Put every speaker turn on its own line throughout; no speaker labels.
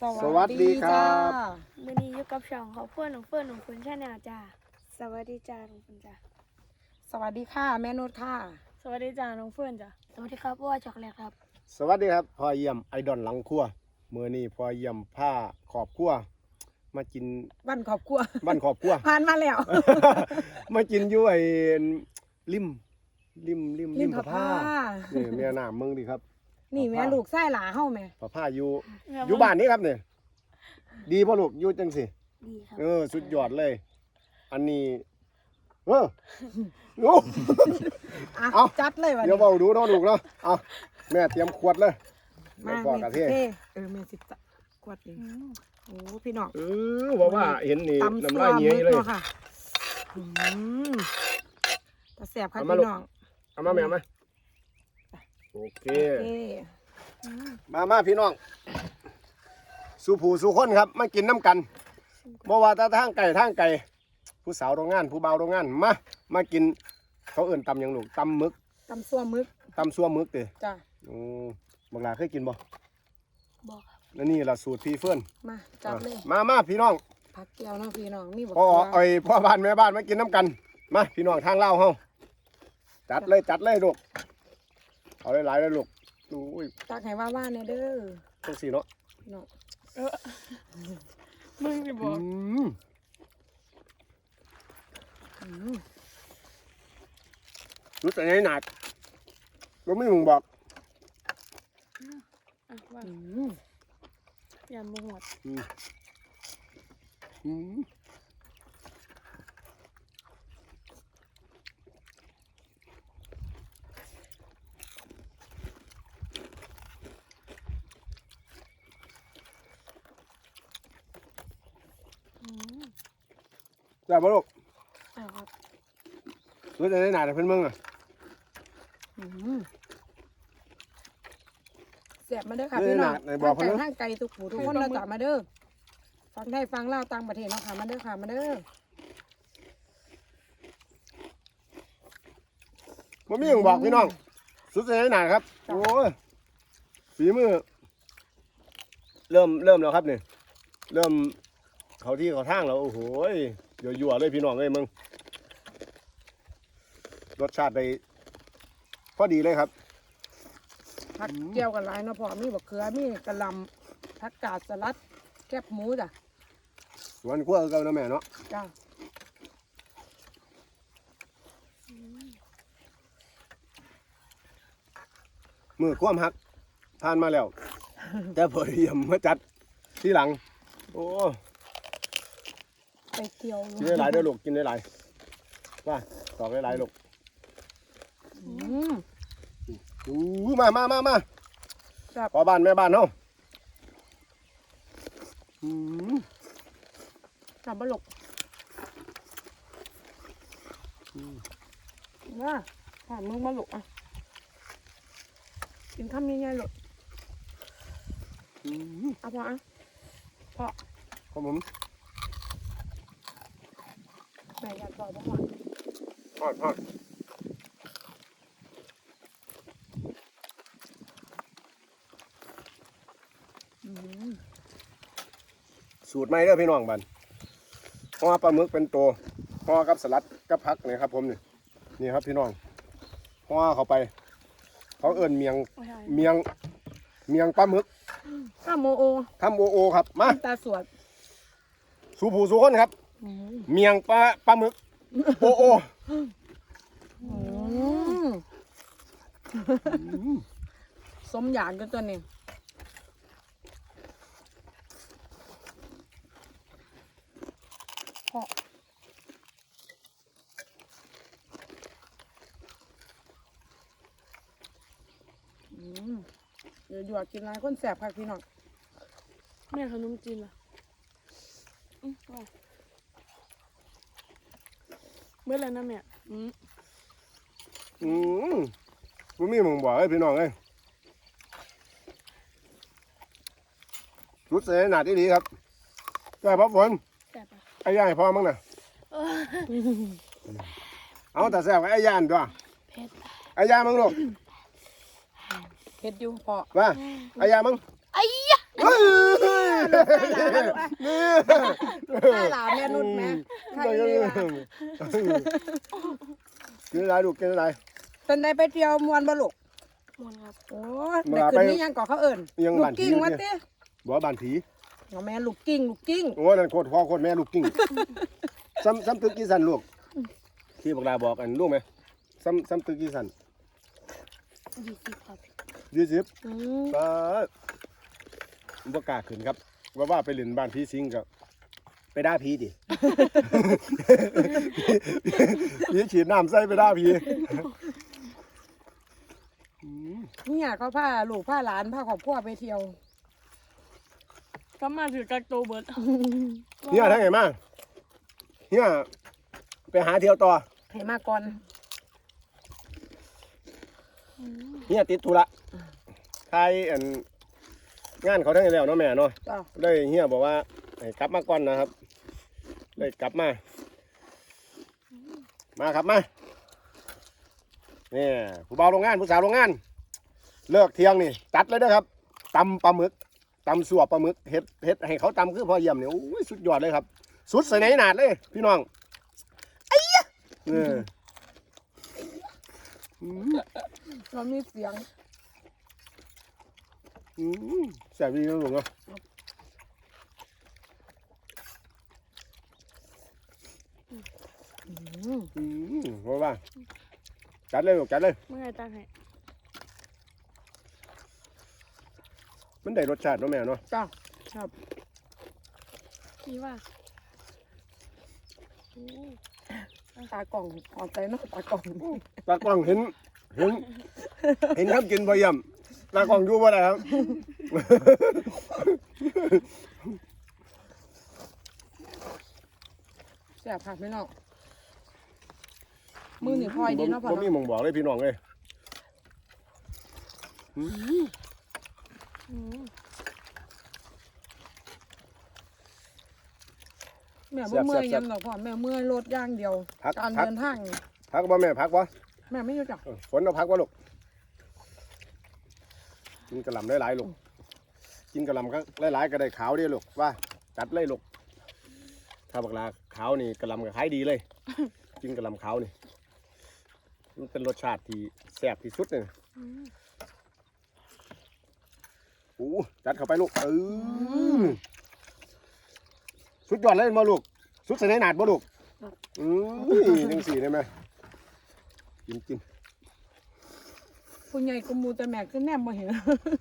สวัสดีครับ
มื้อนี้อยู่กับช่องของเพื่อนของคุณชาแนลจ้าสวัสดีจ้าน้องเพื่อนจ้า
สวัสดีค่ะแม่นุชค่ะ
สวัสดีจ้าน้องเพื่อนจ้าสวัสดีครับว่าช็อกโกแลตครับ
สวัสดีครับพ่อเยี่ยมไอดอลหลังครัวมื้อนี้พ่อเยี่ยมผ้าขอบครัวมากิน
บ้านครอบครัว
บ้านขอบครัว
ผ่านมาแล้ว
มากินอยู่ไอ้ริมพะ
ผ้า
ผ้านี่แม่น้ำมึงดิครับ
นี่แม่ลูกไส้หลาเฮ้าแม่
พะผ้าอยู่บ้านนี้ครับเนี่ยดีพ่อลูกอยู่จังสิ
ดีครับ
สุดยอดเลย อันนี้โอ้
อ่ะ
เอา
จัดเลยวัน
เดี๋ยว
นี้
เบาดูเนาะลูกเนาะเอาแม่เตรียมขวดเลย
มา
แบอกกะเท
เท่แม่สิจะกวดเองโอ้พี่น้อง
บอกว่าเห็นนี่
ตำ
น้ำ
ซัว
ลายเงี้ย
มึก
เลย
เนาะค่ะตาแสบค่ะ
เอามา
พี่
ลูก
น้อง
เอามาแม่มาโอเค
โอเค
มาพี่น้องสู่ผู้สู่คนครับมากินน้ำกันบ่ว่าแต่ทางไก่ผู้สาวโรงงานผู้บ่าวโรงงานมากินเขาเอิ่นตำหยังลูกตำหมึก
ตำซัวมึก
ตำซัวหมึกเด้
จ้ะ
บางลาเคยกินบ่
บอกครับ
แล้วนี่ล่ะสูตรพี่เฟื่อน
มาจัดเลย
มาพี่น้อง
ผักแก้วเนาะพี่น้องมีบัก
พ่อ
เขือ
พ่อบ้านแม่บ้านมากินน้ำกันมาพี่น้องทางเล่าวเฮาจัดเลยลูกเอาหลายๆเลยลูกอุ้ย
ตักให้ว่าเนี่ยเด้อ
จังสี่เนาะ
พี่น้อง
มึงจะบอก
รู้แต่ไหนหนักรู้ไม่มึงบอก
ว่า
อืม
ยันมึงหมด
จ้าบ่ลูก
ครับ
รู้แต่ไหนหนักแต่เพิ่นมึงอ่ะ
แสบมาเด้อค่ะพี่น้อง
ไหนบอกเขา
ทาง
เนอะ
ทางไกลทุกผู้ทุกคนเราจับมาเด้อฟังได้ฟังเล่าวต่างประเทศเนาะค่ะมาเด้อค่ะมาเด้อ
บ่มีหยังบอกพี่น้องสุดแต่ไหนหนักครับโอ้ยฝีมือเริ่มแล้วครับนี่เริ่มเขาที่เขาทางแล้วโอ้โหยั่วๆเลยพี่น้องเอ้ยมึงรสชาติได้พอดีเลยครับ
ผักเจียวกันหลายเนาะพ่อมีบักเขือมีกะหล่ำผักกาดสลัดแคบหมูจ้ะ
สวนขั้วกันนะแม่เนาะ
จ้า
มือความหักทานมาแล้ว แต่พอเยี่ยมมาจัดที่หลัง โอ้
ไปเกี่ยว
กินได้หลายเด้อลูกกินได้หลายว่าตอกได้หลายลูก
อืม
มา
ครับ
พอบ้านแม่บ้านเนาะ
จับบะหลกว่าผ่านมึงบะหลกอ่ะกินข้าวง่ายๆหลดเอาพออ่ะพอ
ครับผม
แม่อยากต่อบ่พอ
ทอดสูตรใหม่เด้อพี่น้องบันห่อปลาหมึกเป็นตัวห่อกับสลัดกับผักนี่ครับผมนี่ครับพี่น้องห่อเข้าไป เขาเอิ้นเมียงปลาหมึก
ข้าวโมโอ
ทำโอครับมา
ตาสวด
สู่ผู้สู่คนครับ เมียงปลาหมึกโอ
สมอยากกันตัวนี้พอเดี๋ยวหยวดกินอะไรคนแสบค่ะพี่น้อง
แม่ขนมจีนล่ะว่าเมื่อไรนะแม่
ผมมีมึงบอกให้พี่น้องเลยรุดเสียหนาที่ดีครับได้พ่อฝน
แซ่บปะ
ไอ้ย่างให้พ่อมั้งน่ะเอาแต่แซ่บไอ้ย่างด้วย
เผ็ด
ไอ้ย่างมั้งลูก
เผ็ดอยู่พอ
ว่าไอ้ย่างมั้ง
ไอ้ยะ
เฮ้ยนี่
ใช่หลานแม่นุ่นแม่ใครดีวะ
กินอะไรลูกกินอะไร
เป็นได้ไปเที่ยวมวนบ่ลูก
มวนครับ
โอ้แต่คืนนี้ยังก่อเขาเอิญ
ยัง
ลู
บ้าก นผี
กิ้งมาติ
บอกว่าบ้านผี
เอาแม่ลูกกิ้งลูกกิ้ง
โอ้นั่นโคตรพ่อโคตรแม่ลูกกิ้งซ้ำตึกกี่สันลูกที่บอกลาบอกอันลูกไหมซ้ำตึกกี่สัน
20ครับ
20
อืม
ป้าบ่กล้าขึ้นครับว่าไปเล่นบ้านพี่ซิงกับไปด่าผีดิ ผีฉีดน้ำใส่ไปด่าผี
เนี่ยเขาพาลูกพาหลานพาครอบครัวไปเที่ยว
ก็มาถือกักโตวเบิด
เนี่ยทั้งไงมาเนี่ยไปหาเที่ยวต่อ
ให้มาก่อน
เนี่ยติดธุระใครอันงานเขาทั้งไงแล้วเนาะแม่เนาะ
จ้า
ได้เฮียบอกว่าให้กลับมาก่อนนะครับเลยกลับมาครับมาเนี่ยผู้บ่าวโรงงานผู้สาวโรงงาน เลิกเที่ยงนี่จัดเลยนะครับตำปลาหมึกตำสัวปลาหมึกเฮ็ดให้เขาตำคือพอเยี่ยมเนี่ยโอ้ยสุดยอดเลยครับ สุดใส่ไหนหนาดเลย พี่น้องไอ้ยะเนี่ยอืม
เรามีเสียง
อืมแซ่บดีนะลุงเนาะ
อืม
อืมว่าจัดเลยลูกจัดเลย
เมื่อไงตั้งให้
มันได้รสชาติเนาะแม่เนาะ
จ้าครับ
นี่ว่า
ตากล่องออกใจเนาะตากล่อง
ตากล้องเห็นครับกินพอเยี่ยมตากล้องอยู่บ่ได้ครับ
แซ่บค่ะพี่น้องมือนี่พลอยดีเนาะพ่อ
บ่มี
เนาะ
หมองบอกเลยพี่น้องเลยอืม
อืม
แม่บ่เมื่อยยำดอกพ่อแม่เมื่อยรถอย่างเดียว การเดินทางนี่
พักบ่แม่พักบ่
แม่ไม่รู้จัก
ฝนเอาพักบ่ลูกกินกระหล่ำหลายๆลูกกินกระหล่ำก็หลายๆก็ได้ขาวเดีลูกว่าจัดเลยลูกถ้าบักลาขาวนี่กระหล่ำก็ขายดีเลย กินกระหล่ำขาวนี่มันเป็นรสชาติที่แซ่บที่สุดเลย
อืม
โอ้จัดเข้าไปลูกสุดยอดเลยมาลูกสุดใส่ในหนาดบ่ลูกจังสี่ได้ไหมกิน
ผู้ใหญ่กุมูแต่แม่ขึ้นแนมมาเห็น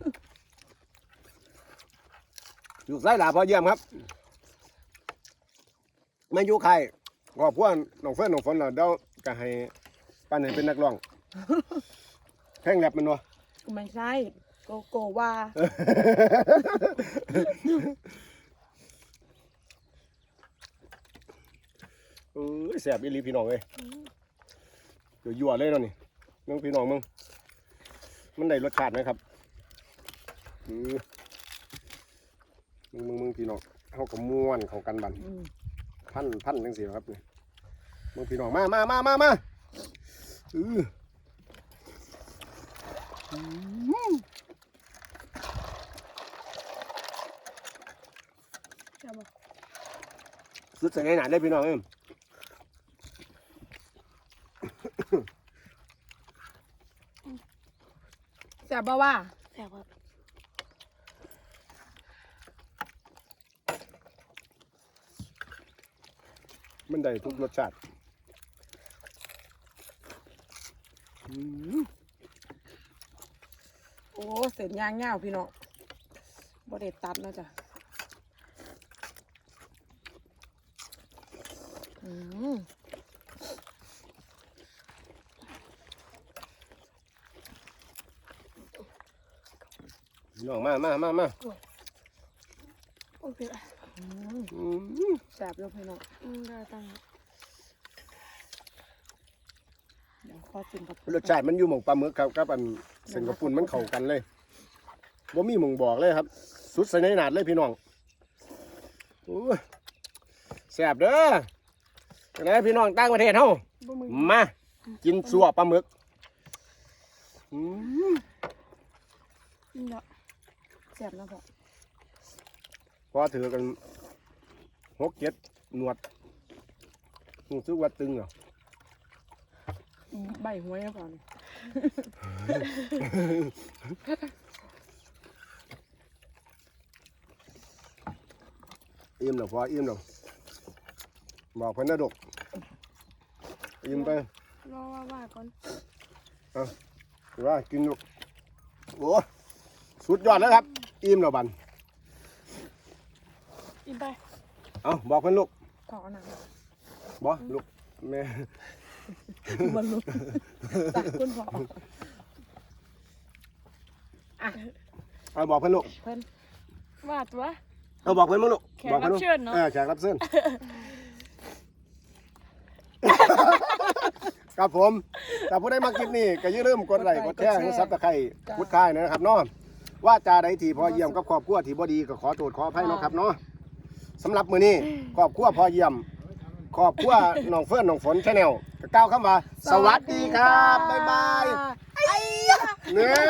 ลูกไส้หลาพอเยี่ยมครับไม่อยู่ใครขอบพวกน้องเฟิร์นน้องฝนเราเดี๋ยวก็ให้ป้าหนึ่งเป็นนักร้องแข่งแรปมันวะ
ไม่ใช่โกว่า
แสบอีหลีพี่น้องเลยเดี๋ยวยั่วเลยเนาะนี่มึงพี่น้องมึงมันได้รสชาติไหมครับมึงพี่น้องเขาก็ม้วนเขากันบันพันจังสิครับนี่มึงพี่น้องมา
จะบอก
สุดใส่ไหนได้พี่น้อง
แซ่บบ่ว่า
แซ่บครับ
มันได้ทุกรสชาติ
โอ้เสร็จย่างเง่าพี่น้องบ่ได้ตัดนะจ๊ะ
พี่น้องมา
โอเค
แซ่บแล้วพี่น้อง
ได้ตั้งให้
เดี๋ยวขอชิมกับ
รสชาติมันอยู่หม่องปลาหมึกครับกับอันเส้นกระปุ่นมันเข้ากันเลยบ่มีหม่องบอกเลยครับ สุดใส่ในหนาดเลยพี่น้องแซ่บเด้อจังไดพี่น้องต่างประเทศเฮา
บ่มึง
มากินสัวปลาหมึก
นี่เนาะ
แซ่บนะพ่อ
พอถือกัน6-7หนวดรู้สึกว่าตึงเหรอ
ใบหวยก่อน
อิ่มแล้วพออิ่มแล้วบอกเพิ่นนะดกอิ่มไป
รอว่าก่อน
ว่ากินลูกโอ้สุดยอดแล้วครับอิ่มแล้วบัน
อิ่มไป
เอาบอกเพิ่นลูก
ขอหนัง
บอกลูกแม่
บรรลุตักคุณพ่ออ่ะ
เอาบอกเพิ่นลูก
เพิ่น
ว่าตัว
เอาบอกเพิ่นมั้งลูก
แขก
บอกเพิ่น
รับเชิญเนอะ
แขกรับเชิญ ครับผมถ้าผู้ใดมาคลิปนี้ก็อย่าลืมกดไลค์กดแชร์กดซับสไครต์กดค่ายนะครับเนาะว่าจาใดที่พอเยี่ยมกับครอบครัวที่บ่ดีก็ขอโทษขออภัยเนาะครับเนาะสำหรับมื้อนี้ครอบครัวพอเยี่ยมครอบครัวน้องเฟิร์นน้องฝนชาแนลก็กล่าวคำว่าสวัสดีครับบ๊ายบายเนี่ย